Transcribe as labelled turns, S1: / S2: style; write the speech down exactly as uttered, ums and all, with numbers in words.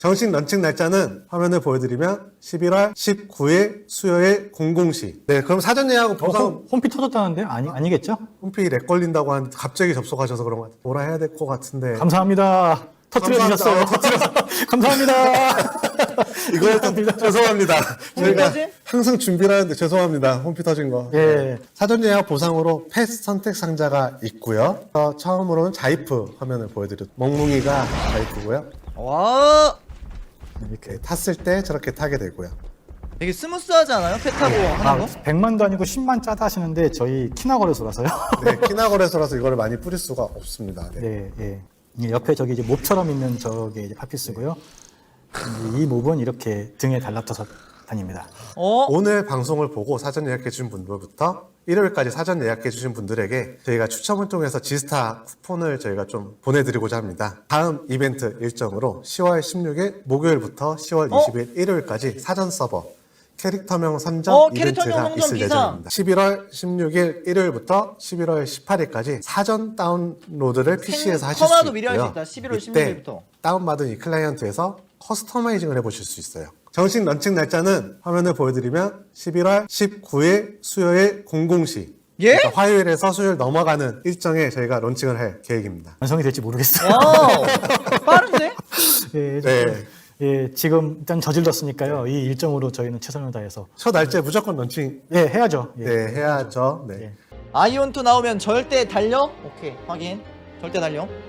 S1: 정식 런칭 날짜는 화면을 보여드리면 십일월 십구일 수요일 공공 시. 네, 그럼 사전 예약은
S2: 어,
S1: 보상
S2: 홈, 홈피 터졌다는데? 아니, 아니겠죠?
S1: 홈페이지 렉 걸린다고 하는데 갑자기 접속하셔서 그런 것 같아요. 뭐라 해야 될 것 같은데.
S2: 감사합니다. 터뜨려 주셨어요. 감사합니다.
S1: 이거 죄송합니다. 저희가
S3: 터진?
S1: 항상 준비를 하는데 죄송합니다. 홈피 터진 거.
S2: 예.
S1: 사전 예약 보상으로 패스 선택 상자가 있고요. 어, 처음으로는 자이프 화면을 보여드렸. 멍뭉이가 자이프고요.
S3: 와,
S1: 이렇게 탔을 때 저렇게 타게 되고요.
S3: 되게 스무스하지 않아요? 배 타고 하는
S2: 아,
S3: 거?
S2: 백만도 아니고 십만 짜다 하시는데 저희 키나거래소라서요.
S1: 네, 키나거래소라서 이거를 많이 뿌릴 수가 없습니다. 네.
S2: 네, 예. 이 옆에 저기 이제 몹처럼 있는 저게 이제 핫피스고요. 이 몹은 이렇게 등에 달라붙어서 다닙니다.
S3: 어?
S1: 오늘 방송을 보고 사전 예약해 주신 분들부터 일요일까지 사전 예약해 주신 분들에게 저희가 추첨을 통해서 지스타 쿠폰을 저희가 좀 보내드리고자 합니다. 다음 이벤트 일정으로 시월 십육일 목요일부터 시월
S3: 어?
S1: 이십일 일요일까지 사전 서버 캐릭터명 선정
S3: 어, 캐릭터명
S1: 이벤트가
S3: 선정
S1: 있을
S3: 기사.
S1: 예정입니다. 십일월 십육일 일요일부터 십일월 십팔일까지 사전 다운로드를 피시에서 하실 수
S3: 커마도
S1: 있고요.
S3: 미리 할 수 있다. 십일월
S1: 이때
S3: 십육일부터.
S1: 다운받은 이 클라이언트에서 커스터마이징을 해보실 수 있어요. 정식 런칭 날짜는 화면을 보여드리면 십일월 십구일 수요일 공공 시.
S3: 예?
S1: 그러니까 화요일에서 수요일 넘어가는 일정에 저희가 런칭을 할 계획입니다.
S2: 완성이 될지 모르겠어요.
S3: 와우, 빠른데?
S2: 예,
S1: 네.
S2: 예, 지금 일단 저질렀으니까요. 이 일정으로 저희는 최선을 다해서
S1: 첫 날짜에 무조건 런칭
S2: 예, 해야죠. 예.
S1: 네, 해야죠. 네.
S2: 예.
S3: 아이온투 나오면 절대 달려? 오케이, 확인. 절대 달려.